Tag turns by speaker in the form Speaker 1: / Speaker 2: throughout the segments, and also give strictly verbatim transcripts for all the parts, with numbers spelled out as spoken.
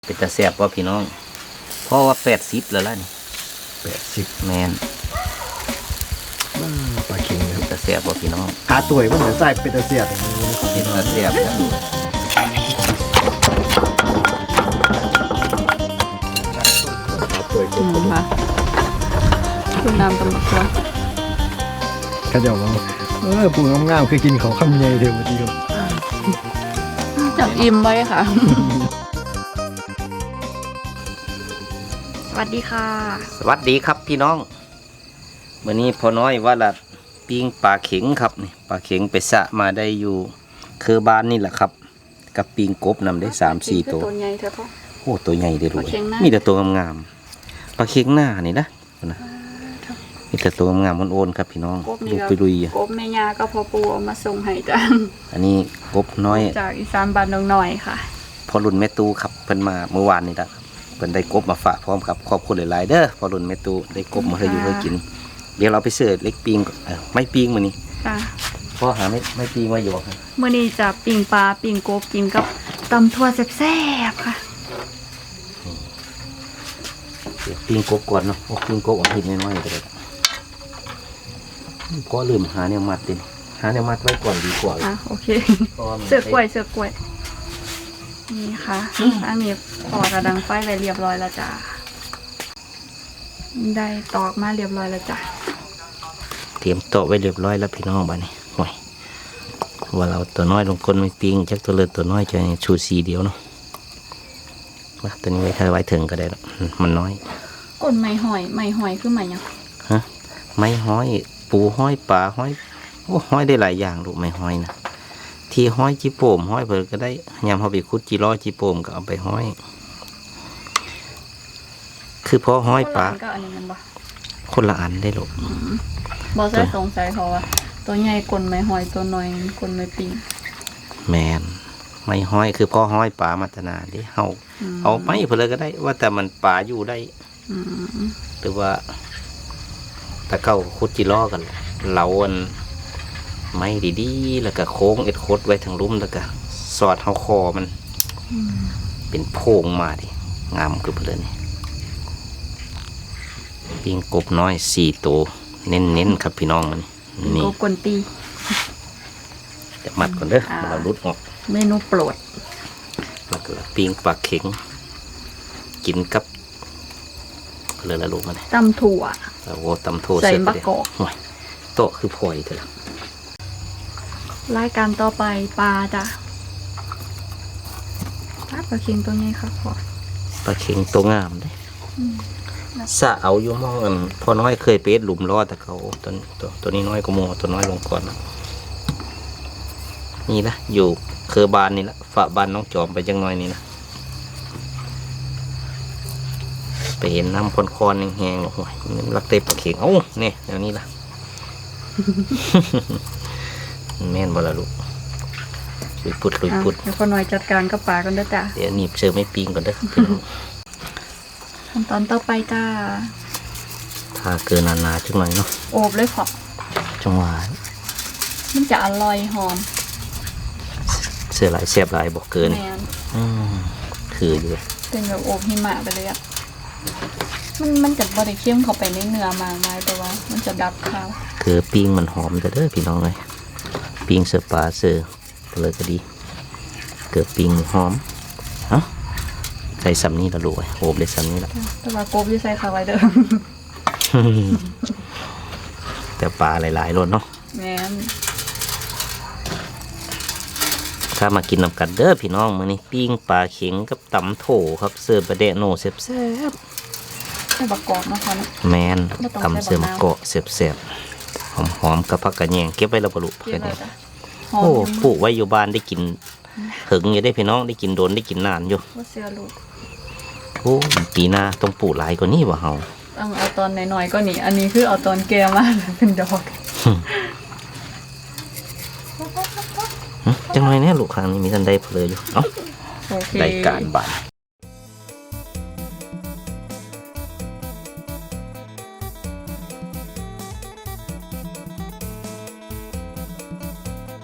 Speaker 1: เป็นตาแซ่บว่าพี่น้องเพราะว่าแปดสิบแล้วล่ะนี่
Speaker 2: แปดสิบ
Speaker 1: แมน
Speaker 2: ปลาเค็งนะ
Speaker 1: เป็นตาแซ่บว่าพี่น้อง
Speaker 2: หาตัวมันเหมือนใส่เป็นตะเสียบอย่างนี้นะครับ
Speaker 1: เป็นตาแซ่บนะ
Speaker 3: อืมค่ะคุณน้ำตำบักตัว
Speaker 2: ข้าเจ้าว่าเออปูงามๆคือกินเขาคำใหญ่เดียวทีครับ
Speaker 3: จับอิ่มไว้ค่ะสวัสดีค่ะ
Speaker 1: สวัสดีครับพี่น้องวันนี้พอน้อยว่าละปิ้งปลาเข็งครับนี่ปลาเข็งไปสะมาได้อยู่คือบ้านนี่แหละครับกับปิ้งกบนำได้สามสี่ตัว
Speaker 3: ตัวใหญ่เถอะพ่อ
Speaker 1: โอ้ตัวใหญ่ได้รู้มีแต่ตัวงามๆปลาเข็งหน้านี่นะนะมีแต่ตัวงามๆมันโอนครับพี่น้องดูไปลุย
Speaker 3: กบแม่ยาก็พอปูเอามาส่งให้จ้ะ
Speaker 1: อันนี้กบน้อย
Speaker 3: จากอีสานบ้านน้อยค่ะ
Speaker 1: พอรุ่นแม่ตูครับเพิ่นมาเมื่อวานนี่ละเพิ่นได้กบมาฝากพร้อมกับครอบครัวหลายๆเด้อพอรุ่นแม่ตูได้กบมาให้อยู่ให้กินเดี๋ยวเราไปเสิร์ฟเล็กปิงไม่ปิงมื้อนี้
Speaker 3: จ้ะ
Speaker 1: พ่อหาไม่ไม่ปิงมาอยู่ครับ
Speaker 3: มื้อนี้จะปิงปลาปิงกบกินกับตำถั่วแซ่บๆค่ะ
Speaker 1: เดี๋ยวปิงกบก่อนเนาะปิงกบเอาทิ้งน้อยๆก็ได้ก็ลืมหาแนวมัดดิหาแนวมัดไว้ก่อนดีกว่า
Speaker 3: อ่ะโอเคเสือกกล้วยเสือกกล้วยนี่ค่ะอันนี้พอกระดังไฟไว้เรียบร้อยแล้วจ้ะได้ตอกมาเรียบร้อยแล้วจ้ะ
Speaker 1: เตรียมโต๊ะไว้เรียบร้อยแล้วพี่น้องบ้านนี้ห่วยว่าเราตัวน้อยลงคนไม่ปิงจักตัวเลือตัวน้อยจะชูสีเดียวเนาะว่าตัวนี้ไว้ถ้าไว้ถึงก็ได้มันน้อย
Speaker 3: ก้นไม้หอยไม้หอยคือไม้ยัง
Speaker 1: ฮะไม้ห้อยปูห้อยปลาห้อยโอ้ห้อยได้หลายอย่างลูกไม้ห้อยนะที่ห้อยจีโป่มห้อยเพิ่นก็ได้ยำเขาไปคุดจีร้อจีโป่มก็เอาไปห้อยคือพอห้อยปลาคนละอันได้ลูก
Speaker 3: บอสได้สงสัยเขาว่าตัวใหญ่กลนไม้หอยตัวน้อยกลนไม้ปิง
Speaker 1: แมนไม้ห้อยคือพอห้อยปลามาตนาดิเฮาเอาไม้เพิ่นเลยก็ได้ว่าแต่มันปลาอยู่ได้หรือว่าตะเก้าคุดจีร้อกันเหลาอันไม้ดีๆแล้วก็โค้งเอ็ดโคดไว้ทางลุ่มแล้วก็สอดเท้าคอมันเป็นโพงมาดิงามคือเพลินนี่ปิ้งกบน้อยสี่ตัวเน้นๆครับพี่น้องมัน
Speaker 3: นี่กบกวนตี
Speaker 1: จะมัดก่อนเด้อเราลุดออก
Speaker 3: เมนูโปรด
Speaker 1: แล้วก็ปิ้งปลาเข็งกินกับเลยละลูกมัน
Speaker 3: ตำถั่ว
Speaker 1: โอ้ตำถั่ว
Speaker 3: ใส่มะกอก
Speaker 1: โต๊ะคือพลอยเถอะ
Speaker 3: รายการต่อไปปลาจ้ะปลาเค็งตัวนี้ค่ะพ่อ
Speaker 1: ปลาเค็งตัวงามเลยสะเอาอยู่มองกันพอน้อยเคยเป๊ะหลุมรอดแต่เขาตัวตัวตัวนี้น้อยกว่าโมตัวน้อยลงก่อนนี่นะอยู่เคอบานนี่ละฝาบานน้องจอมไปจังน้อยนี่นะไปเห็นน้ำคอนๆแห้งๆโอ้ยรักเตะปลาเค็งเอ้าเนี่ยแนวนี้ละแม่นบ่ละลูกลุยปุดลุยปุด
Speaker 3: เดี๋ยวคนหน่อยจัดการกับปลากันเด้อจ้ะ
Speaker 1: เดี๋ยวหนีบเชือไม่ปิงก่อนเด้อ
Speaker 3: ขั้นตอนต่อไปจ้า
Speaker 1: ถ้าเกินนานๆจังหน่อยเนาะ
Speaker 3: โอบเลยพอ
Speaker 1: จังหวะ
Speaker 3: มันจะอร่อยหอม
Speaker 1: เสือหลายแซ่บหลายบอกเกินอืมคืออยู่
Speaker 3: เป็นแบบโอบหิมะไปเลยอ่ะมันมันจะบริเข้มเข้าไปในเนื้อมากมายแต่ว่ามันจะดับข้าว
Speaker 1: คือปิ้งมันหอมแต่เด้อพี่น้องเลยปิ้งเสือปลาเสือเลยก็ดีเกิดปิ้งหอมเอ้าใส่ซ้ำนี้ละลูกโอบเลยซ้ำนี้ละ
Speaker 3: แต่ว่ากบที่ใส่ข้าวไว้เด้อ
Speaker 1: แต่ปลาหลายๆรสเนาะ
Speaker 3: แม่น
Speaker 1: ถ้ามากินน้ำกันเด้อพี่น้องมื้อนี้ปิ้งปลาเข็งกับตำโถครับเสิร์ฟบะเดะโนแซ่บ
Speaker 3: ใส่บะกอกนะคะ
Speaker 1: แมนตำเสือมะเกาะแซ่บๆหอมๆกับผักกระแยงเก็บไว้แล้วบรรลุผักกระแยงโอ้ปลูกไว้อยู่บ้านได้กินถึงอยู่ได้พี่น้องได้กินโดนได้กินนานอยู่
Speaker 3: เสือลูก
Speaker 1: โอ้ปีหน้าต้องปลูกหลายกว่านี้วะเฮา
Speaker 3: ต้องเอาตอนน้อยๆก็นี่อันนี้คือเอาตอนแก่มาเป็นดอก
Speaker 1: จังหน่อยเนี่ยลูกครั้งนี้มีทันได้เพลยอยู่เอ้าได้การบาน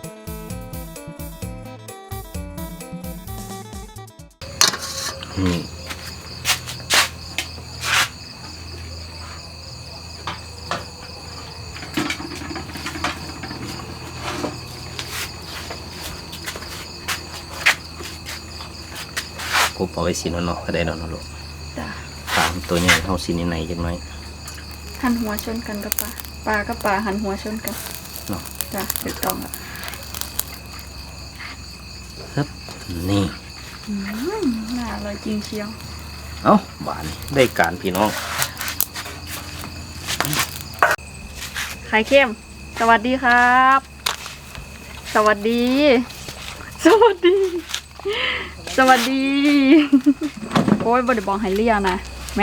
Speaker 1: นี่พอไว้สีนอนๆก็ได้นอนๆลูก
Speaker 3: จ้ะ
Speaker 1: ตามตัวใหญ่เฮาสีในๆจังน้อย
Speaker 3: หันหัวชนกันกับปลาปลากับปลาหันหัวชนกัน
Speaker 1: เนาะ
Speaker 3: จ้ะถูกต้องอ่ะ
Speaker 1: ครับนี่
Speaker 3: อืมน่าอร่อยจริงเชียว
Speaker 1: เอ้าบานได้การพี่น้อง
Speaker 3: ไข่เค็มสวัสดีครับ สวัสดี สวัสดี สวัสดี โอ้ยบไดิบองไฮเลียนะแม่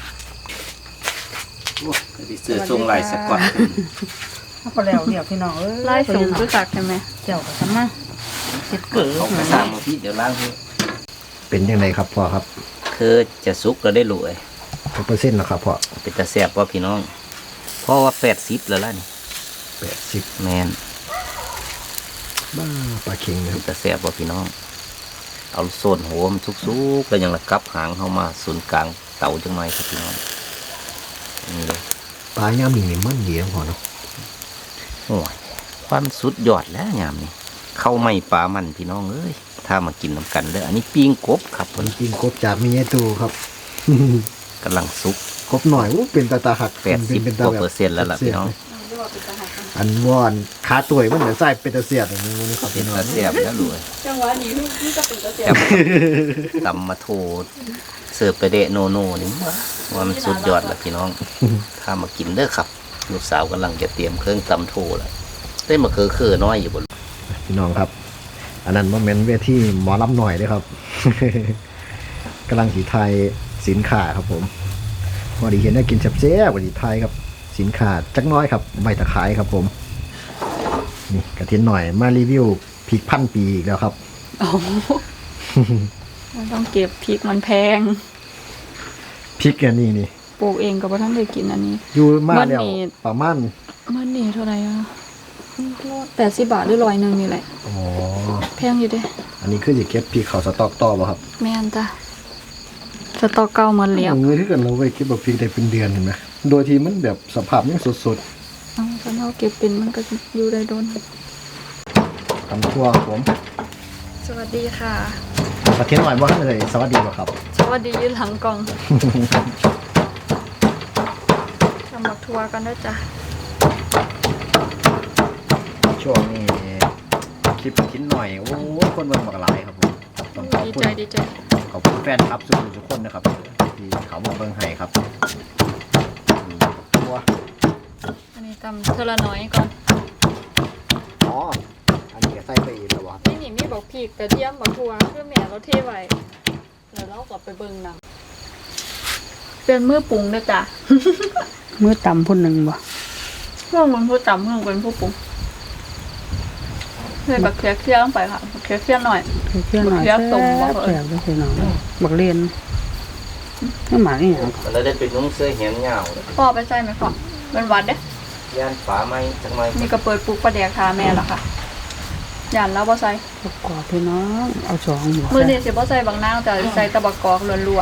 Speaker 1: โอ้ยเสื้อทรงลายสกอต
Speaker 4: เอาพอแล้วเดี๋ยวพี่น้องเอ้ย
Speaker 3: ไล่สูงรู้จักใช่ไหม
Speaker 4: เจ้าก็ทำมาเจ็ดเกิด
Speaker 1: เอาไปสร้างมาพี่เดี๋ยวล้างให้
Speaker 2: เป็นยังไงครับพ่อครับ
Speaker 1: คือจะสุกก็ได้รวย
Speaker 2: กี่เปอร์เซ็นต์แล้วครับพ่อ
Speaker 1: เป็นตาแซ่บว่าพี่น้อง เพราะว่าแปดสิบแล้วล่ะนี่
Speaker 2: แปดสิบ
Speaker 1: แมน
Speaker 2: บ้าปลาเค็งนะค
Speaker 1: เป็
Speaker 2: รับ
Speaker 1: นตาแซ่บว่าพี่น้อง เอาโซนหัวมันสุกๆแล้วยังระกับหางเข้ามาศูนย์กลางเตาจังไรครับพี่น้องนี่เลย
Speaker 2: ปลาย่ามนี่นี่มันดีนะพ่อเนาะ
Speaker 1: โอ้ยความสุดยอดแล้วยามนี้เข้าไม่ปลามันพี่น้องเอ้ยถ้ามากินน้ำกันเลยอันนี้ปิ้งกบครับ
Speaker 2: มันกินกบจากมีไอตูครับ
Speaker 1: กำลังสุก
Speaker 2: กบหน่อยอู้เป็นตาตาหัก
Speaker 1: แปดสิบ
Speaker 2: เป็น
Speaker 1: กว่าเปอร์เซ็นต์แล้วล่ะพี่น้อง
Speaker 2: อันวอนขาตัวมันเหมือนไส้เป็นตาเสียดอย่างนี้นะครับ
Speaker 1: เป็น
Speaker 2: พี่น้อง
Speaker 1: ตาแซ่บแล้วรวย
Speaker 3: จังหวะนี้นี่ก็เป็นกระเสีย
Speaker 1: แต่ตำมาโทเสิร์ฟไปเดะโนโน่นี่ว่ามันสุดยอดแล้วพี่น้อง ถ้ามากินเด้อครับลูกสาวกำลังจะเตรียมเครื่องตำโทแล้วได้มาเคอเคอน้อยอยู่บน
Speaker 2: พี่น้องครับ อันนั้นว่าเมนเวทีหมอลำหน่อยเลยครับ กำลังสีไทยสินค้าครับผมพอดีเห็นได้กินแซ่บๆพอดีไทยครับสินค้าจักน้อยครับใบตะไคร้ครับผมนี่กระเทียมหน่อยมารีวิวพริกพันปีอีกแล้วครับ
Speaker 3: โอ้มันต้องเก็บพริกมันแพง
Speaker 2: พริกอันนี้นี่
Speaker 3: ปลูกเองก็บ่ทันได้กินอันนี้
Speaker 2: อยู่มาแล้ว
Speaker 3: มันนี่
Speaker 2: ประมาณ
Speaker 3: มันนี่เท่าไหร่อ่ะแปดสิบบาทหรือร้อยหนึ่งนี่แหละ
Speaker 2: อ๋อ
Speaker 3: แพงอยู่เด้
Speaker 2: อันนี้คือจะเก็บพริกเขาสต็อกต่อป่ะครับ
Speaker 3: แม่นจ้ะสตอกเก่ามันเหลียว
Speaker 2: เอาเงินที่กันเราไว้เก็บแบบพริกได้เป็นเดือนเห็นไหมโดยที่มันแบบสภาพยังสด
Speaker 3: เอาคันเฮาเก็บเป็นมันก็อยู่ได้โดน
Speaker 2: ๆทำทั่วครับผม
Speaker 3: สวัสดีค่ะ
Speaker 2: กระเทียมหน่อยว่าเลยสวัสดีป่ะครับ
Speaker 3: สวัสดียืนหลังกล่องทำบักทัวกันด้วยจ้ะ
Speaker 2: ช่วงนี้คลิปชิ้นหน่อยโอ้ยคนเมืองบักหลายครับผมต้องขอบ
Speaker 3: ดี
Speaker 2: คุณ
Speaker 3: ใจดีใจ
Speaker 2: ขอบคุณแฟนครับทุกคนทุกคนนะครับที่เขาบอกเบิ่งให้ครับนี่ตัว
Speaker 3: อันนี้ตำเทอละน้อยก่อน
Speaker 2: อ๋ออันนี้ก็ใส่ไปอีกแล้ววะ
Speaker 3: นี่นี่มีบอกพีกกระเทียมบักทัวเพื่อแม่เราเทไว้แล้วเราก็ไปเบิ่งหนังเป็นมือปรุงนะจ๊ะ
Speaker 4: มือต่ำพุ่นหนึ่งบ่
Speaker 3: เพื่อนมันผู้จำเพื่อนเป็นผู้ปรุงใส่บักเคียเคี่ยวลงไปค่ะบักเคียเคี่ยวหน่อย
Speaker 4: เพื่อนหน่อย
Speaker 3: บักเขียบต้มบ่
Speaker 4: แซ่บเลยพี่น้องบักเรียนนี่หมานี่หยัง
Speaker 1: แล้วได้เป็นนุ่งเสื้อเหียนยาวเลย
Speaker 3: พ่อไปใส่ไหมพ่อเป็นหวัดเด้
Speaker 1: ย่านฝาไม้จังไร
Speaker 3: นี่ก็เปิดปลูกปลาแดกทาแม่ละค่ะย่านแล้วบ่ใส่
Speaker 4: ประกอบพี่น้องเอาสองหมู
Speaker 3: มือนี่สิบ่ใส่บางนางแต่ใส่ตะบักกอกล้วน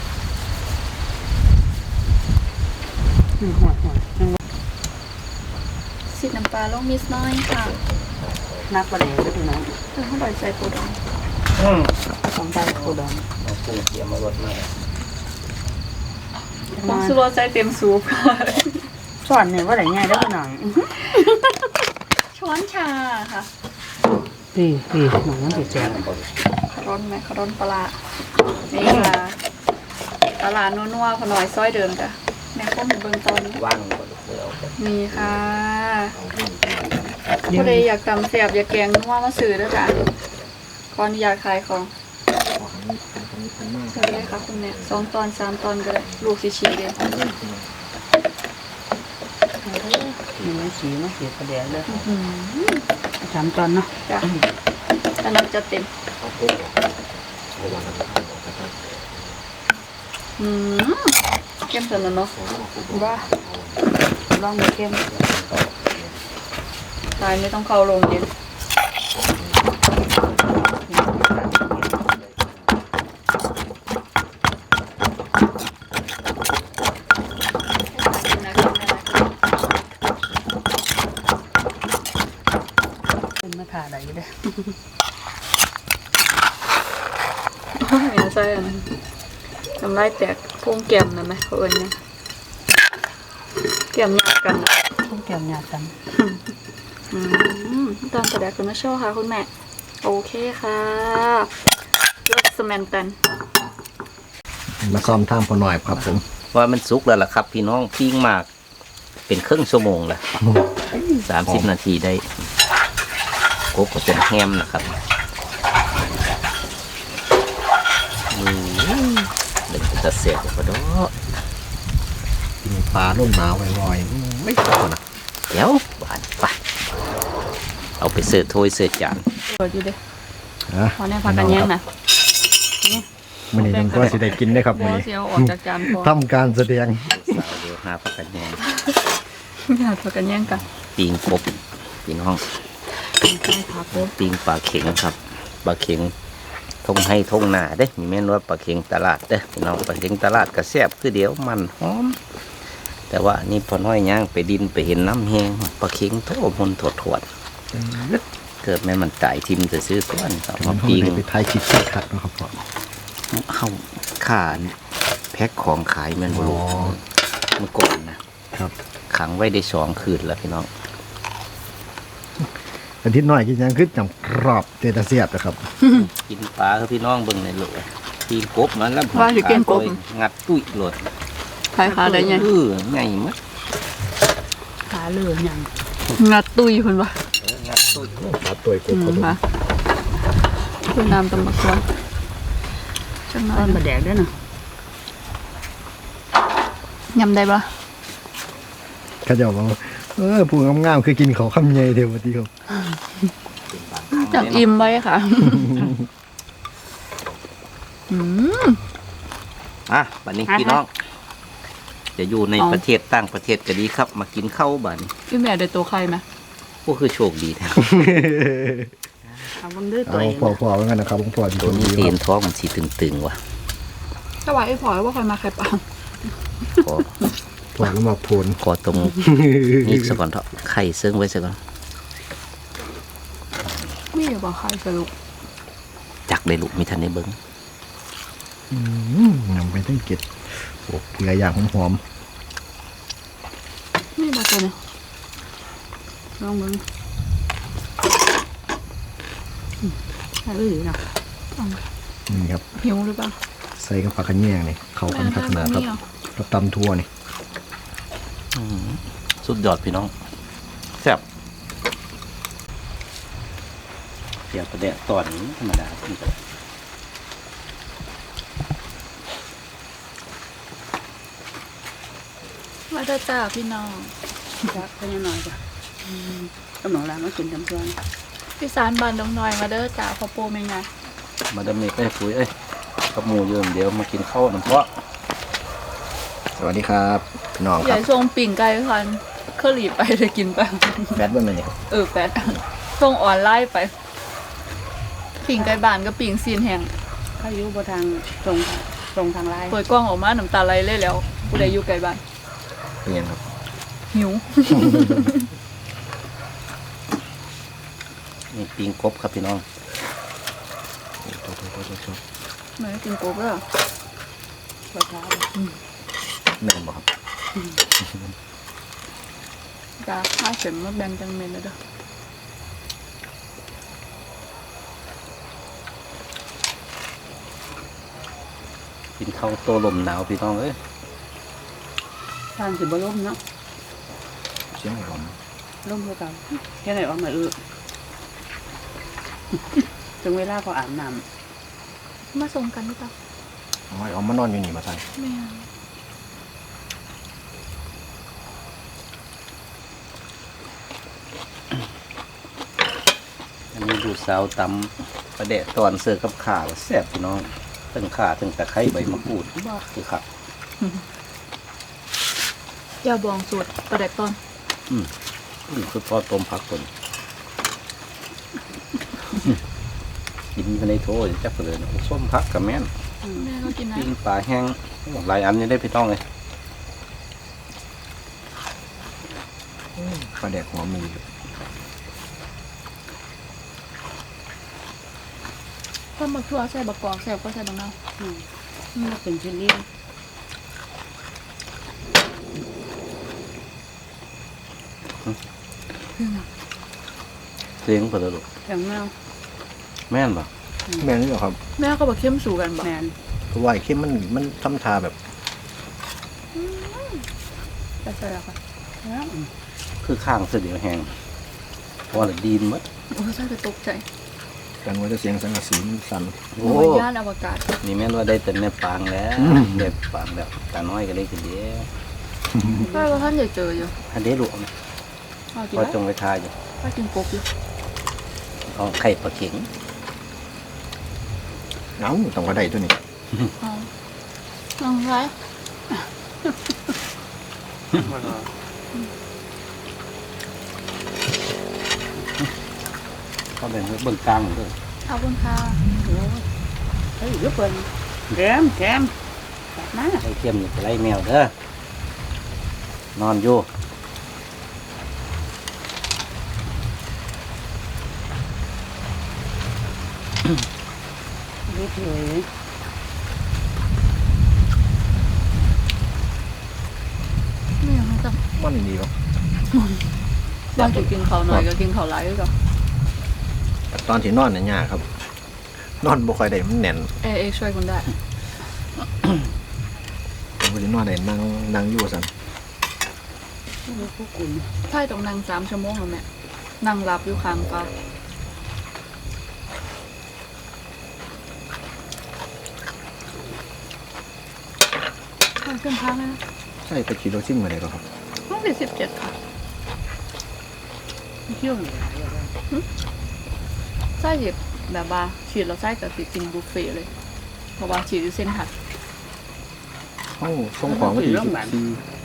Speaker 4: นี่หัวหัวยัง
Speaker 3: ๆสิน้ำปลาลงนิดน้อยค่ะ
Speaker 4: นักประเดี๋ยวพี่น้อง
Speaker 3: เพิ่มเข้าไปใส่ปูดอง
Speaker 1: อืม
Speaker 4: ต้องได้โคดอง
Speaker 1: เอากุ้งเสียมารดมา
Speaker 3: ผงชูรสใส่เต็มสูบค่ะ
Speaker 4: สอนเนี่ยว่าได้ง่ายได้อพี่น้อง
Speaker 3: ช้อนชาค่ะ
Speaker 4: พี่พี่หนูมันสิแซ่บ
Speaker 3: ขร้อนไหมขร้อนปลาร้านี่ค่ะปลาร้านัวๆพอหน่อยซอยเดิมจ้ะแม่ข้นเบิ่งตอนนี้
Speaker 1: ว่างก่อนเดี๋ยวเอาไป
Speaker 3: นี่ค่ะผู้ใดอยากตำแซ่บอยากแกงนัวมาซื้อด้วยจ้ะขออนุญาตขายของซื้อได้ค่ะคุณแม่สองตอนสามตอนก็ได้ลูกสิชีเดียว
Speaker 4: มีน้ำสีมาเสียประเดี๋ยวเลย
Speaker 3: อืม
Speaker 4: สามตอนเนาะ
Speaker 3: จ้ะอันนั้นจะเต็มอืมเข้มสุดแล้วเนาะว่า
Speaker 4: ลองดูเข้ม
Speaker 3: ตายไม่ต้องเข้าโรงเย็น
Speaker 4: เป็นมาถ่าได้อยู่เด้อ
Speaker 3: โอ้ยไม่ใช่อันนั้นน้ำลายแตกพวงแก้มนะไหมเขาเอิญเนี่ยแก้มหยาดกันอ่ะ
Speaker 4: ต้องแก้วหยาดกัน
Speaker 3: อืมตอนแสดงคุณมาโชว์ค่ะคุณแม่ โอเคค่ะเลิกสแมนตัน
Speaker 2: มาซ้อมท่ามพอหน่อยครับผม
Speaker 1: ว่ามันสุกแล้วล่ะครับ พี่น้องปิ้งมากเป็นครึ่งชั่วโมงแล้วสามสิบนาทีได้กบก็เป็นแฮมนะครับอืมเด็กจะเสียบก็ดอ
Speaker 2: กินปลาล่มหนาวไวๆไม่พอนะ
Speaker 1: เดี๋ยวบานไปเอาไปเสิร์ฟถ้วยเสิร์ฟจาน
Speaker 3: เปิดอยู่ดิ
Speaker 2: ฮะ
Speaker 3: พอแน่พักกันแย่งนะ
Speaker 2: มันนี่ยังก็สิได้กินได้ครับ
Speaker 3: บ
Speaker 2: มัน
Speaker 3: อ
Speaker 2: นี้
Speaker 3: เสียวออกจากจานพอ
Speaker 2: ทำการแสดง
Speaker 1: สาวเดี๋ยวหาพักกันแยง
Speaker 3: อยากพักกันแย่งกัน
Speaker 1: ปิงกบพี่น้อง
Speaker 3: ใช่ค่ะปุ๊บ
Speaker 1: ปิงปลาเข็งครับปลาเข็งทงให้ทงหน้าเด้มีแม่นว่าปลาเข็งตลาดเด้พี่น้องปลาเข็งตลาดก็แซ่บคือเดียวมันหอมแต่ว่านี่พอน้อยย่างไปดินไปเห็นน้ำแห้งปลาเข็งโทมนถดถวดเกิดแม่มันตายทิมจะซื้อส่วนเอา
Speaker 2: มั
Speaker 1: มาน
Speaker 2: เขา
Speaker 1: ปิง
Speaker 2: ได้ไปทายคลิปใส่ขัดเนาะครับพ่อ
Speaker 1: เข้าข่าแพ็คของขายแม่นบลู
Speaker 2: อ๋อ
Speaker 1: เมื่อก่อนนะครับ ขังไว้ได้สองคืนแล้วพี่น้อง
Speaker 2: อาทิตย์หน่อยกินยังขึ้นจำกรอบเตตาเสียบนะครับ
Speaker 1: กินปลาคือพี่น้องเบิ่งในโหลปีนกบมันแล้ว
Speaker 3: ว่าสิเก่งกบ
Speaker 1: งัดตุ้ยโหลด
Speaker 3: ใครขาได้ไง
Speaker 1: เออไงมัด
Speaker 4: ขาเลือหยัง
Speaker 3: งัดตุยคุณวะ
Speaker 1: เอองัดตุ้ย
Speaker 2: ปลาตัวก
Speaker 3: อื
Speaker 2: บ
Speaker 3: ม
Speaker 2: ครับผม
Speaker 3: ค่ะคุณน้ำตำบักตัวจังหน่อ
Speaker 4: ต้
Speaker 3: ย
Speaker 4: นบะแดกด้วยนะ
Speaker 3: ยำได้ปะ
Speaker 2: เขาจะบอกว่าเออผู้งามๆคือกินเขาวคำใหญ่เทวดีครับ
Speaker 3: จังอิ่มไว้ค่ะ อืม
Speaker 1: อ่ะบัดนี้พี่น้อง จะอยู่ใน
Speaker 3: เอา
Speaker 1: ประเทศต่างประเทศก็ดีครับ มากินข้าวบัดน
Speaker 3: พี่แม่ได้ตัวใครไหม
Speaker 1: ก็คือโชคดีแท้
Speaker 4: เอาเบิ่งด้วยตั
Speaker 2: เอา
Speaker 4: วเอง
Speaker 2: พอพอเหมือนกันนะครับผมพอดี
Speaker 1: ตัวนี้
Speaker 2: ดี
Speaker 1: ตี
Speaker 2: คน รับ
Speaker 1: ท้องมันสีตึงๆว่ะ
Speaker 3: ถ้าว่าไอ้พลอยว่าใครมาใครเปล่า
Speaker 1: ขอ
Speaker 2: พอแล้วมาโพน
Speaker 1: ขอตรงนี้ซะก่อนเถอะไข่เซิงไว้ซะก่อน
Speaker 3: ไม่อยากบอกใครสรุป
Speaker 1: จักได้ลูกมีทันได้เบิ้ง
Speaker 2: อืมนำไปตั้งเก็ดโอ้เกลืออย่างหอม
Speaker 3: ไม่บอกตัวเนี่ยลองมึง
Speaker 4: ขาเลือนะ
Speaker 2: ๆนี่ครับ
Speaker 3: หิวหรือเปล่า
Speaker 2: ใส่กับผักกระแยงนี่เข้ากันพัฒนาครับกับตำทั่วนี่
Speaker 1: สุดยอดพี่น้องแซ่บเดี๋ยวประเดี๋ยวตอนนี้ธรรมดาพี่น้อง
Speaker 3: มาเด้อจ้าพี่น้อง
Speaker 4: จักเพิ่นหน่อยจ้ะอืมกำลังลามากินจำตัว
Speaker 3: พี่สารบานดงน้อยมาเด้อจ้าพ่อปูแม่ไง
Speaker 1: มาดามเมกไปคุยเอ้ยกับหมูเยิมเดี๋ยวมากินข้าวน้ำเพาะ
Speaker 2: สวัสดีครับพี่น้อง
Speaker 3: ให
Speaker 2: ค
Speaker 3: ญ่
Speaker 2: รับ
Speaker 3: ทรงปิ่งไก่คันเคอรี่ไปเลยกินไป
Speaker 2: แบดเบิ้ลมาเนี่ย
Speaker 3: เออแปดส่งออนไลน์ไป ปิ่งไก่บานกับปิ่งซีนแห้ง
Speaker 4: เขาอยู่บ่ทางตรงตรงทางไลน์
Speaker 3: เปิดกล้องออกมาน้ำตาไหลเลยแล้วผู้ใดอยู่ไก่บ้าน
Speaker 1: เป็นยังครับ
Speaker 3: หิว
Speaker 1: นี่ปิงกบครับพี่น้อง
Speaker 3: หน่อยกินโป๊กแล้ว
Speaker 4: บ่ช้า
Speaker 1: แม่นบอกครับ
Speaker 3: จ้าข้าเสร็จมาแบ่งจังเมนเลยเด้อ
Speaker 1: กินข้าวโตลมหนาวพี่น้องเอ้ย
Speaker 4: ทางสิบ่ล่มเนาะ
Speaker 2: เสียงหอม
Speaker 4: ล่มคือเก่าแค่ไหนว่ามาเออถึงเวลาก็อาบน้ำ
Speaker 3: มาส่งกันหรือเปล่า
Speaker 2: อ๋อเอามานอนอยู่นี่มาใส่
Speaker 3: ไม่
Speaker 1: อันนี้ดูสาวตำประเดะตอนเสิร์ฟกับข่าวแซ่บพี่น้องทั้งข่าทั้งตะไคร้ใบมะกรูดบ้าคือขับ
Speaker 3: อย่าบองสูตรประเด็กตอน
Speaker 1: นี่คือทอดต้มผักคนกินภายในโถจักเลยนะโอ้ส้มผักกับแม่น
Speaker 3: แม่ก็กินนะ
Speaker 1: ปิ้งปลาแห้งโอ้หลายอันยังได้พี่ต้องเลย
Speaker 2: ปลาแดกหอมมีอยู่
Speaker 3: ถ้าบักทั่วใส่บักกอกใส่ก็ใส่บักนาว
Speaker 4: อืมมันเป็นชิ้นนี้
Speaker 1: เสียงเปิดลูก
Speaker 4: แข็งแมว
Speaker 1: แม่นบ่
Speaker 2: แม่นนี่เหรอครับ
Speaker 3: แม่ก็บอกเข้มสู่กันบอก
Speaker 4: แมน
Speaker 2: เพราะว่าไอ้เข้มมันมันทำทาแบบ
Speaker 3: จะใส่ละค่ะ
Speaker 4: แล้ว
Speaker 1: คือข้างเสียเดียวแห้งเพราะว่าดีนหมด
Speaker 3: โอ้ใส่ไปตกใจ
Speaker 2: กันว่าจะเสียงสังกะสีมันสั่น
Speaker 1: โอ้
Speaker 3: โอ้ยย่านอวกาศ
Speaker 1: นี่แม่นว่าได้แต่ในปางแล้ว
Speaker 2: อืม
Speaker 1: เด็บปางแล้วตาน้อยก็ได้คือเดียว
Speaker 3: ใช่ว่าท่านอยากเจออยู่
Speaker 1: อันนี้ลูกนะ
Speaker 3: เอากิน
Speaker 1: พอ
Speaker 3: ได้
Speaker 1: จงไปทายอยู่
Speaker 3: ไปกินกบอยู่
Speaker 1: เอาไข่ปลาเข็ง
Speaker 2: เอ้าต้องว่าได้ตัวนี้
Speaker 3: เอาลองใช้
Speaker 1: ก็เป็นเบื้องกลางเลย
Speaker 3: ขอบคุณค่ะ
Speaker 4: เฮ้ยยุบเปินแกมแกมแบบนั้น
Speaker 1: ไอ้เข้มนี่จะไล่แมวเด้อ นอนอยู่
Speaker 4: ยุบเลย
Speaker 3: ไม่อยากให้จับ
Speaker 2: มันดีวะ
Speaker 3: บางทีกินเขาวหน่อยก็กินเขาวหลายก็
Speaker 2: ตอนที่นอนเนี่ยยากครับ นอนบ่ค่อยได้มันแน่น
Speaker 3: เอเอช่วยคุณได้
Speaker 2: ผมก็จะนอนได้นั่งนั่งอยู่สั่น
Speaker 4: ผู้กุน
Speaker 3: ใช่ต้องนั่งสามชั่วโมงแล้วแม่นั่งรับอยู่ค้างฟ้าไปขึ้นพักนะ
Speaker 2: ใช่ไปฉีดวัคซีนมาได้ก็ครับ
Speaker 3: ห้องสี่สิบเจ็ดค่ะ
Speaker 4: เที่ยวเลย
Speaker 3: ไส้หยิบแบบว่าฉีดเราไส้กับติกินบุฟเฟ่ต์เลย เพราะว่าฉีดอยู่เส้นถัด
Speaker 2: ห้องส่งของมาที่สิบสี่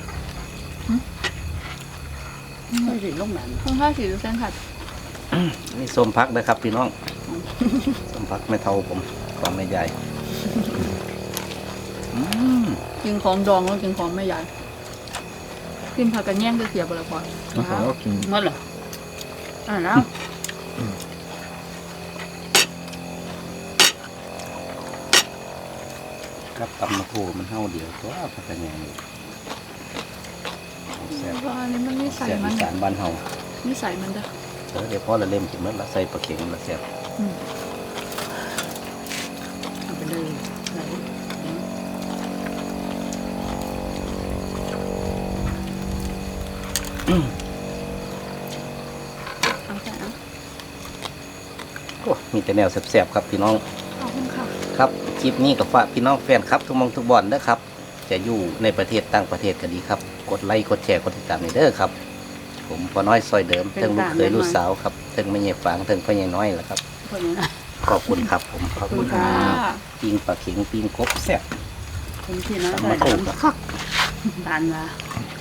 Speaker 4: ไม่ใช่ลูกหลาน
Speaker 3: ข้างข้างฉีดอยู่เส้นถัด
Speaker 1: นี่ส้มพักนะครับพี่น้อง ส้มพักไม่เท่าผมของไม่ใหญ่อืม
Speaker 3: กินของดองแล้วกินของไม่ใหญ่กินผักกันแย่งก็เสียไปแล้วพอ
Speaker 2: แล้วเขาก็กิน
Speaker 4: หมดเหรออ่าแล้ว
Speaker 1: กับตำมะโขมันเท่าเดียวตัวพักกันยังแซ่บ
Speaker 3: เพราะอันนี้มันนิสัย
Speaker 1: แซ่บ
Speaker 3: มั
Speaker 1: อี
Speaker 3: น
Speaker 1: สานบ้านเฮา
Speaker 3: นิสัยมันเด้อ
Speaker 1: เออเดี๋ยวพ่อละเล่มกินเมื่อละใส่ปลาเข็งละแซ่บ
Speaker 3: อืม
Speaker 4: เอาไปเลยไหน
Speaker 3: เอาแต่เอา
Speaker 1: โอ้มีแต่แนวแซ่บๆครับพี่น้อง
Speaker 3: ขอบคุณค่ะ
Speaker 1: ครับคลิปนี้ก็ฝากพี่น้องแฟนครับทุกหมองทุกบอลเด้อครับ จะอยู่ในประเทศต่างประเทศก็ดีครับ กดไลค์กดแชร์กดติดตามในเด้อครับ ผมพอน้อยซอยเดิมเทิงลูกเคยลูกสาวครับเทิงไม่ใหญ่ฝางเทิงพ่อใหญ่น้อยแหละครับ
Speaker 4: คนนี้นะ
Speaker 1: ขอบคุณครับผมขอบคุณค
Speaker 3: ค่ะ
Speaker 1: รับปิ้งปลาเข็งปิ้งกบแซ่บ
Speaker 4: คนที่น้อย
Speaker 1: ตำ
Speaker 4: ใส่
Speaker 1: มะโขกครับ
Speaker 4: ทานมา
Speaker 1: ค